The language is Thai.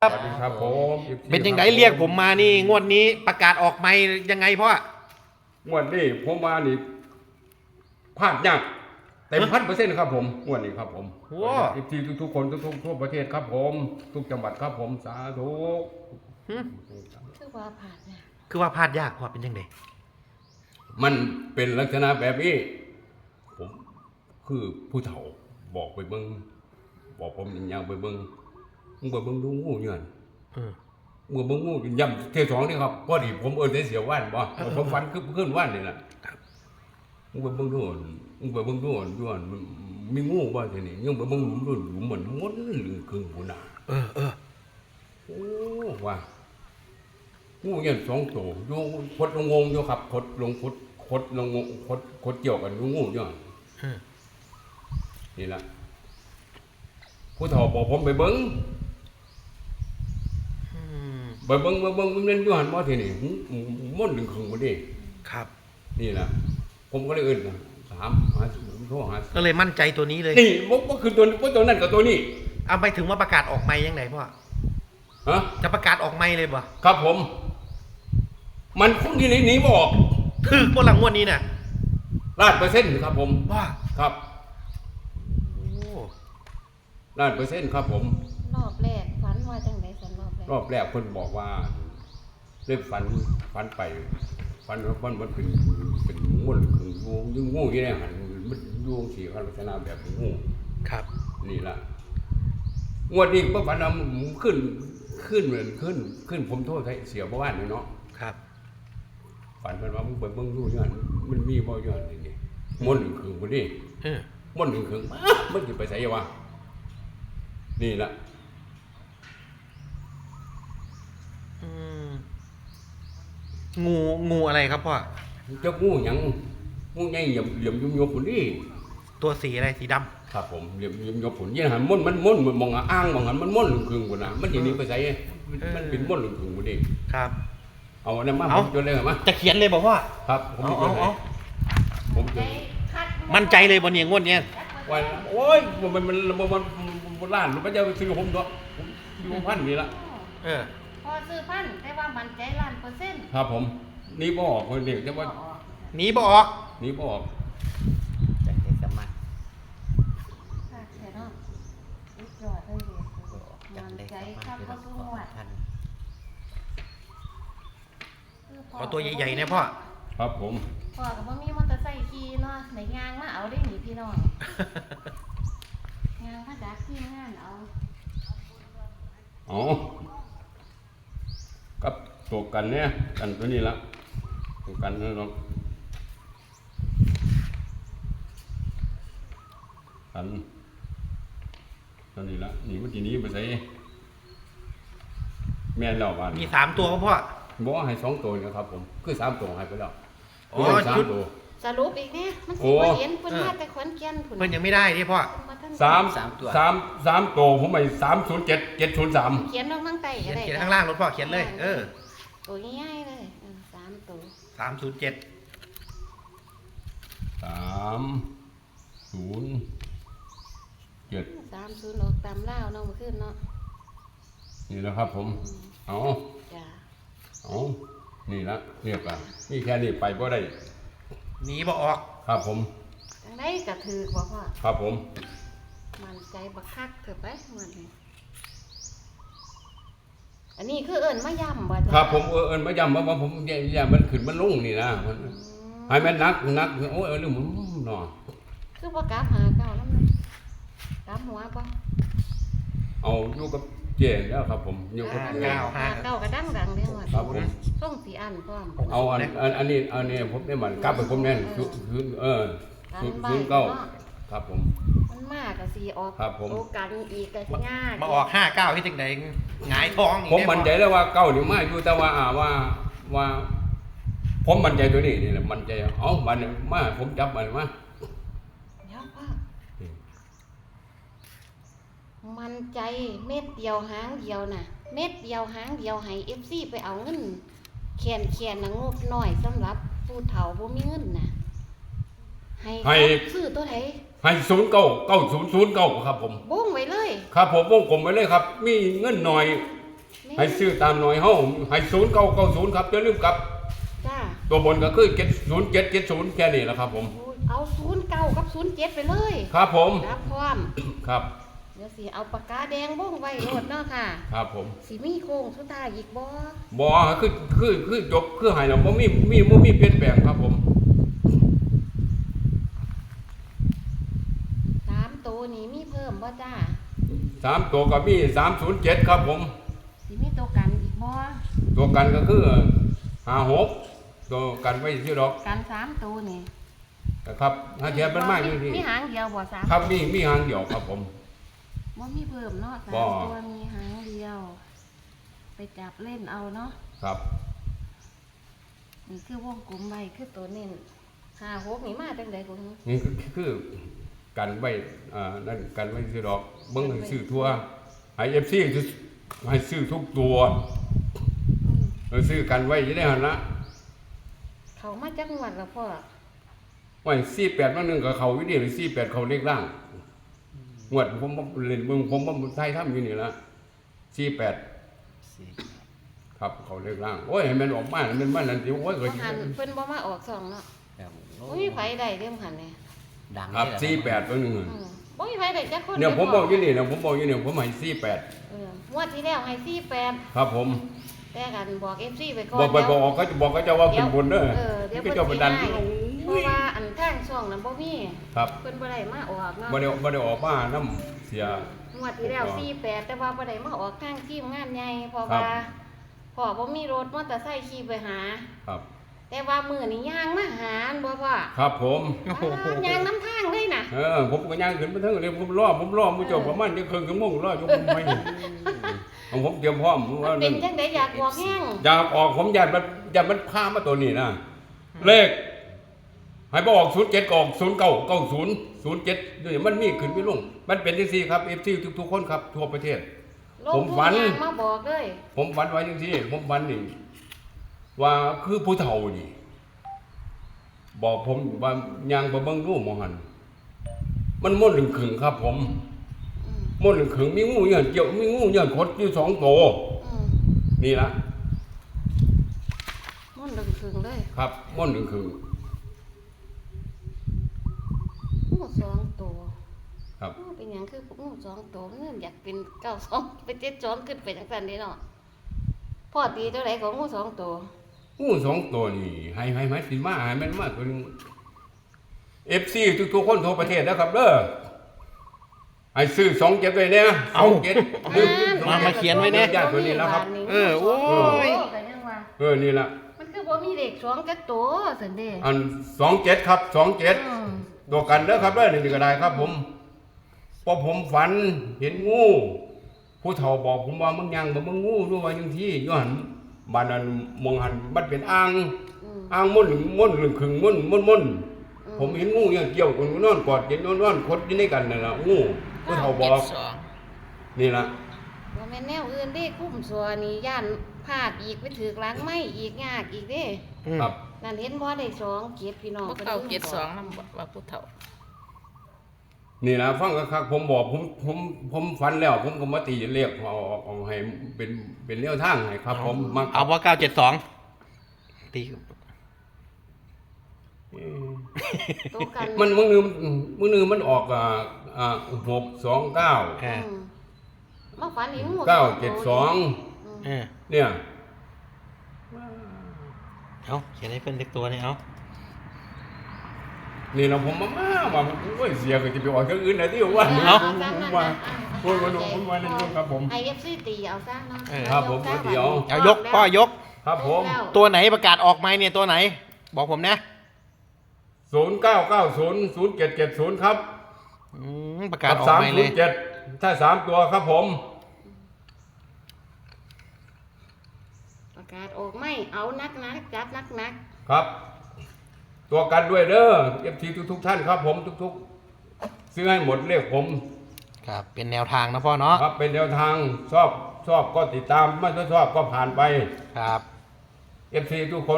สวัสดีครับผมเป็นยังไงเรียกผมมานี่งวดนี้ประกาศออกไม่ยังไงพ่องวดนี้ผมมานี่พลาดยากเต็ม1,000%ครับผมงวดนี้ครับผมที่ทุกคนทุกทั่วประเทศครับผมทุกจังหวัดครับผมสาธุคือว่าผ่านเนี่ยคือว่าพลาดยากพ่อเป็นยังไงมันเป็นลักษณะแบบนี้ผมคือผู้เฒ่าบอกไปเบิ่งบอกผมอย่างไปเบิ่งมึงไปเบิ่งดูงูเนี่ยมึงเบิ่งงูย่ำเที่ยวสองนี่ครับพอดีผมได้เสียวว่านบ่ผมฝันขึ้นว่านนี่แหละมึงไปเบิ่งดูมึงไปเบิ่งดูย้อนมีงูบ่ทีนี้ยังไปเบิ่งหลุมดูหลุมเหมือนมดหรือครึ่งหัวหน้าโอ้ว่างูเนี่ย2 ตัวอยู่คดลงงงอยู่ครับคดลงงคดเกี่ยวกันงูอยู่นี่ล่ะผู้เฒ่าบอกผมไปเบิ่งมันเล่นอยู่หันบ่ทีนี่ม่วนดึงครึ่งบ่ดิครับนี่ล่ะผมก็เลยเอิ้นถามหาผมโทรหาก็เลยมั่นใจตัวนี้เลยนี่บ่คือตัวนั้นกับตัวนี้เอาไปถึงว่าประกาศออกไม่ยังไงพ่อฮะจะประกาศออกไม่เลยบ่ครับผมมันคงที่หนีบ่ออกถึกบ่หลังงวดนี้น่ะ 100%ครับผมว่าครับโอ้ 100%ครับผมรอบแรกฝันว่าจังได๋สันรอบแรกเพิ่นบอกว่าเริ่มฝันไปฝันว่ามันเป็นงูคืองูอยู่ในหันมันอยู่สิลักษณะแบบงูครับนี่ล่ะงวดนี้บ่ฝันขึ้นผมโทษให้เสียบ่ว่านเนาะครับฝันเพิ่นว่ามึงไปเบิ่งดูย้อนมันมีบ่ย้อนนี่มนต์คือบ่นี่มนต์คือมันสิไปไสวะนี่ล่ะงูอะไรครับพ่อเจ้างูหยังงูใหญ่เหลี่ยมยุบๆพุ่นนี่ตัวสีอะไรสีดำครับผมเหลี่ยมยุบๆพุ่นนี่หันมันมองอ้างมองหันมันมนต์คือพุ่นน่ะมันสิหนีไปไสมันเป็นมนต์คือพุ่นนี่ครับเอาอันนั้นมาผมจดเลยมาจะเขียนเลยบอกว่าครับผมจดมั่นใจเลยบนเนี่ยงวดเนี้ยว่าโอ้ยมันล้านมันจะซื้อผมตัวอยู่พันนี่ละพอซื้อพันแต่ว่ามั่นใจ1,000% ครับผมนี่บ่ออกคนเด็กแต่ว่าหนีบ่ออกจังได๋สมัครค่ะแค่เนาะยอดเลยมั่นใจครับบ่สู้หวดขอตัวใหญ่ๆนะพ่อครับผมพ่อก็บ่มีมอเตอร์ไซค์ขี่เนาะไหนยางมาเอาได้หนิพี่น้องยางมาจากที่งานเอากับตัวกันเนี่ยกันตัวนี้ละตัวกันนั่นเนาะกันตัวนี้ละนี่มันทีนี้ไปใส่แม่นแล้ววันมี3 ตัวครับพ่อบอกให้2 ตัวนะครับผมคือ3 ตัวให้ไปแล้วชุดสรุปอีกเนี่ยมันสิบ่เห็นเพิ่นมาแต่ขอนแก่นพุ่นเพิ่นยังไม่ได้นี่พ่อ 3 ตัวผมให้307 703 เขียนลงข้างใต้ก็ได้เขียนข้างล่างรถพ่อเขียนเลยตัวง่ายๆเลย3 ตัว 307 30ออกตามลาวเนาะเมื่อคืนเนาะนี่นะครับผมจ้ะนี่ละเรียบร้อยนี่แค่นี้ไปบ่ได้หนีบ่ออกครับผมจังได๋ก็ถือบ่พ่อครับผมมั่นใจบักคักเถอะไปมันอันนี้คือเอิ้นมาย่ำบ่จ้ะครับผมเอิ้นมาย่ำว่าผมย่ำมันขึ้นมันลงนี่นะให้มันนักโอ้ยเรื่องมันเนาะคือบ่กลับหาเก่านำกลับหัวบ่เอาอยู่กับเจ๊แล้วครับผมอยู่กับเก่าก็ดังเด้อว่าครับผมส่งสิอันพร้อมเอาอันนี้ผมได้มันกลับไปผมแน่นคือเก้าครับผมมันมากก็สิออกครับผมโอกันอีกก็สิง่ายมาออก59ที่จังได๋หงายท้องผมมั่นใจแล้วว่าเก้านี่มาอยู่แต่ว่าผมมั่นใจตัวนี้นี่แหละมั่นใจมันมาผมจับมันมามันใจเม็ดเดียวหางเดียวน่ะเม็ดเดียวหางเดียวให้ FC ไปเอาเงินแคนน่ะงบน้อยสำหรับผู้เฒ่าบ่มีเงินน่ะให้ซื้อตัวไหนให้099009ครับผมวงไว้เลยครับผมวงกลมไว้เลยครับมีเงินหน่อยให้ซื้อตามหน่อยเฮาให้0990ครับอย่าลืมกลับจ้าตัวบนก็คือ0770แค่นี้แหละครับผมโอ้ยเอา09กับ07ไปเลยครับผมรับพร้อมครับเดี๋ยวสิเอาปากกาแดงบ้งไว้โลดเนาะค่ะครับผมสิมีโค้งสุดท้ายอีกบ่บ่คือจบคือให้แล้วบ่มีเปลี่ยนแปลงครับผม 3ตัวนี้มีเพิ่มบ่จ้า 3ตัวก็มี307ครับผมสิมีตัวกันอีกบ่ตัวกันก็คือ56ตัวกันไว้ที่ดอกกัน3ตัวนี่ครับถ้าเทียบมันมากอยู่ที่มีหางเดียวบ่สามครับมีหางเดียวครับผมบ่มีเพิ่มเนาะสามบ่ตัวมีหางเดียว ไปจับเล่นเอาเนาะครับนี่คือวงกลมไว้คือตัวเน้น5-6นี่มาจังได๋กูนี่คือกันไว้นั่นกันไว้ที่ดอกเบิ่งให้ซื้อทั่วให้ FC ให้ซื้อทุกตัวซื้อกันไว้จะได้หั่นละเขามาจักงวดแล้วพ่อไว้48มันนึงก็เขาอยู่นี่48เขาเลขล่างงวดผมเล่นเบิ่งผมไทยทำอยู่นี่ละ48ครับเขาเลขล่างโอ้ยให้มันออกมาให้มันนั่นสิโอ้ยก็บ่หันเพิ่นบ่มาออกสองเนาะครับบ่มีไผได้เด้อหันนี่ดังครับนี่แหละ 48ตัวนึงบ่มีไผได้จักคนเนี่ยผมบอกอยู่นี่นะผมบอกอยู่นี่ผมให้48 งวดที่แล้วให้48 ครับผมแต่กันบอก FC ไปก่อนบอกไปบอกเขาจะบอกเขาจะว่าเป็นบุญเด้อเดี๋ยวก็เพิ่นจะสิไปดันให้เพราะว่าอันทางช่องนั้นบ่มีครับเพิ่นบ่ได้มาออกเนาะบ่ได้ออกมาน้ำเสียงวดที่แล้ว48แต่ว่าบ่ได้มาออกทางทีมงานใหญ่เพราะครับว่าพ่อบ่มีรถมอเตอร์ไซค์ขี่ไปหาครับแต่ว่ามื้อนี้ย่างมาหาอันบ่พ่อครับผมย่างน้ำทางเลยน่ะผมก็ย่างขึ้นไปทั้งเลยผมรอมื้อเจ้าประมาณจะครึ่งชั่วโมงรออยู่ผมไม่ของผมเตรียมพร้อมว่าเป็นจังได๋อยากบอกแห้งอยากออกผมอยากมันพามาตัวนี้นะเลขให้บ่ออก07ก็ออก0990 07นี่มันมีขึ้นมีลงมันเป็นจังซี่ครับ FC ทุกๆคนครับทั่วประเทศลงผมทุฝันย่างมาบอกเลยผมฝันไว้จังซี่ผมฝันนี่ว่าคือผู้เฒ่านี่บอกผมว่ายางบ่เบิ่งรูปหมอหันมันม่วนลึงขึงครับ ผมอืมม่วนลึงขึงมีงูเหยื่อเกี่ยวมีงูเหยื่อคดอยู่2ตัวอืมนี่ละมันดึงถึงเลยครับม่วนลึงขึงงูสองตัวครับงูเป็นหยังคืองูสองตัวมันอยากเป็น92เป็น72ขึ้นไปจังซั่นเด้เนาะพ่อตีเท่าไหร่ของงูสองตัวงู2ตัวนี่ให้มันสิมาให้มันมาตัวนึง FC ทุกๆคนทั่วประเทศนะครับเด้อให้ซื้อ27ไว้เนี่ยเอา 27 มาเขียนไว้เนี่ยญาติตัวนี้แล้วครับโอ้ยก็ยังว่านี่ละมันคือบ่มีเลขสองจักตัวซั่นเด้อัน27ครับ27 อืมตัวกันเด้อครับเด้อนี่ก็ได้ครับผมพอผมฝันเห็นงูผู้เฒ่าบอกผมว่ามึงยังบ่มึงงูรู้ว่าจังที่อยู่หั่นบ้านนั้นมองหันมันเป็นอ่างอืมอ่างม่นหรือขึงม่นผมเห็นงูอย่างเกี่ยวกันนอนกอดเย็นนอนคดอยู่ในกันนั่นล่ะงูผู้เฒ่าบอกนี่ล่ะบ่แม่นแนวอื่นเด้คุ้มสัวนี่ย่านพลาดอีกไปถึกหลังไม้อีกยากอีกเด้ครับนั่นเห็นบ่ได้สองเกียรติพี่น้องบ่เก่าเจ็ดสองนำว่าผู้เฒ่านี่ล่ะฟังคักๆผมบอกผมฝันแล้ว ผมก็มาตีเลขเอาให้เป็นแนวทางให้ครับ ผมมาเอาว่า972ตีตัวกันมันมื้อนึงมันออก629 อ่าอืมมาฝันเห็นงู 972 อ่าเนี่ยเอาเขียนให้เพิ่นเล็กตัวนี่เอานี่เราผมมาโอ้ยเสียก็จะไปออกเครื่องอื่นนะที่ว่าเอาผมซะนั่นว่าน่ะโอ้ยมาดูผมว่านั่นครับผมไอเอฟซีตีเอาซะเนาะครับผมเดี๋ยวเอายกพ่อยกครับผมแล้วตัวไหนประกาศออกไหมเนี่ยตัวไหน บอกผมนะ 09900770ครับประกาศออกไหมเลย 307ถ้า3ตัวครับผมประกาศออกไม่เอานักจับนักครับ ตัวกันด้วยเด้อ FT ทุกท่านครับผมทุกซื้อให้หมดเลขผมครับ เป็นแนวทางนะพ่อเนาะครับเป็นแนวทางชอบก็ติดตามไม่ชอบก็ผ่านไปครับ FT ทุกคน